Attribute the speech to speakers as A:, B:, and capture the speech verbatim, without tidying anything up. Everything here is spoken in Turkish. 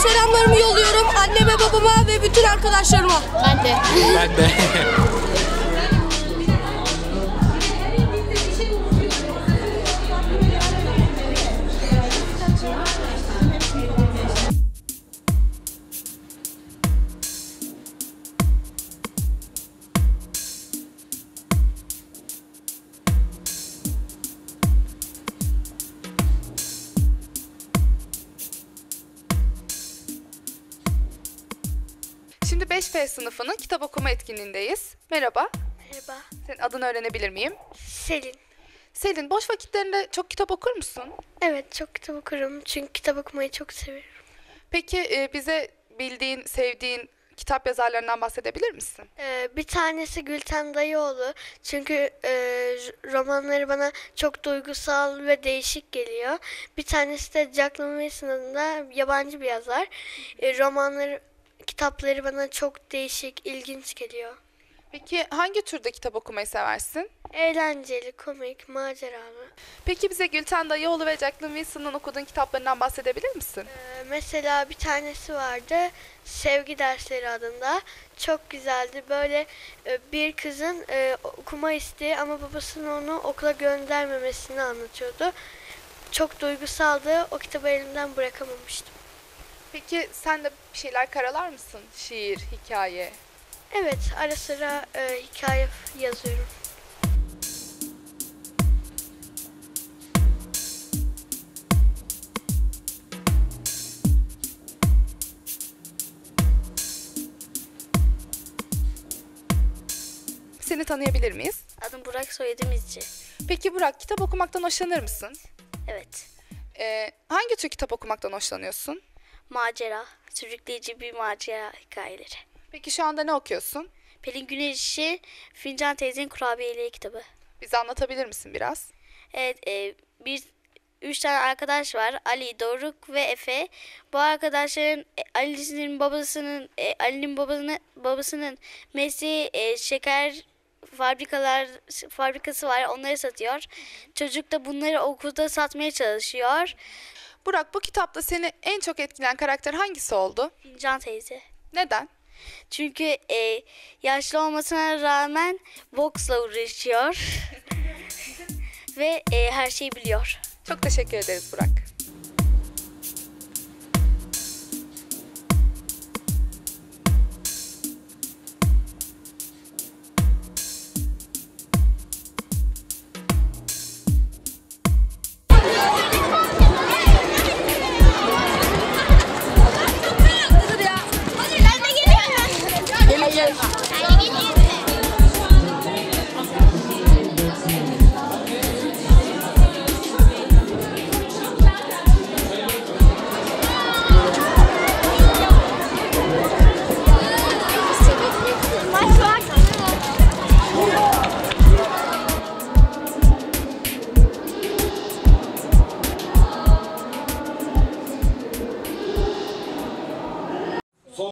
A: selamlarımı yolluyorum anneme, babama ve bütün arkadaşlarıma.
B: Ben de.
C: Ben de.
D: Şimdi beş F sınıfının kitap okuma etkinliğindeyiz. Merhaba.
B: Merhaba.
D: Senin adını öğrenebilir miyim?
B: Selin.
D: Selin, boş vakitlerinde çok kitap okur musun?
B: Evet, çok kitap okurum çünkü kitap okumayı çok seviyorum.
D: Peki e, bize bildiğin, sevdiğin kitap yazarlarından bahsedebilir misin?
B: Ee, bir tanesi Gülten Dayıoğlu çünkü e, romanları bana çok duygusal ve değişik geliyor. Bir tanesi de Jack Lemmon adında yabancı bir yazar. E, romanları, kitapları bana çok değişik, ilginç geliyor.
D: Peki hangi türde kitap okumayı seversin?
B: Eğlenceli, komik, maceralı.
D: Peki bize Gülten Dayıoğlu ve Jacqueline Wilson'ın okuduğun kitaplarından bahsedebilir misin?
B: Ee, mesela bir tanesi vardı, Sevgi Dersleri adında. Çok güzeldi. Böyle e, bir kızın e, okuma isteği ama babasının onu okula göndermemesini anlatıyordu. Çok duygusaldı. O kitabı elimden bırakamamıştım.
D: Peki sen de bir şeyler karalar mısın? Şiir, hikaye.
B: Evet, ara sıra e, hikaye yazıyorum.
D: Seni tanıyabilir miyiz?
B: Adım Burak, soyadım İzci.
D: Peki Burak, kitap okumaktan hoşlanır mısın?
B: Evet.
D: Ee, hangi tür kitap okumaktan hoşlanıyorsun?
B: Macera, sürükleyici bir macera hikayeleri.
D: Peki şu anda ne okuyorsun?
B: Pelin Güneş'i Fincan Teyze'nin Kurabiyeli kitabı.
D: Bize anlatabilir misin biraz?
B: Evet, e, bir üç tane arkadaş var. Ali, Doruk ve Efe. Bu arkadaşların e, Ali'nin babasının e, Ali'nin babasının babasının mesleği e, şeker fabrikalar fabrikası var. Onları satıyor. Çocuk da bunları okulda satmaya çalışıyor.
D: Burak, bu kitapta seni en çok etkileyen karakter hangisi oldu?
B: Fincan teyze.
D: Neden?
B: Çünkü e, yaşlı olmasına rağmen boksla uğraşıyor ve e, her şeyi biliyor.
D: Çok teşekkür ederiz Burak.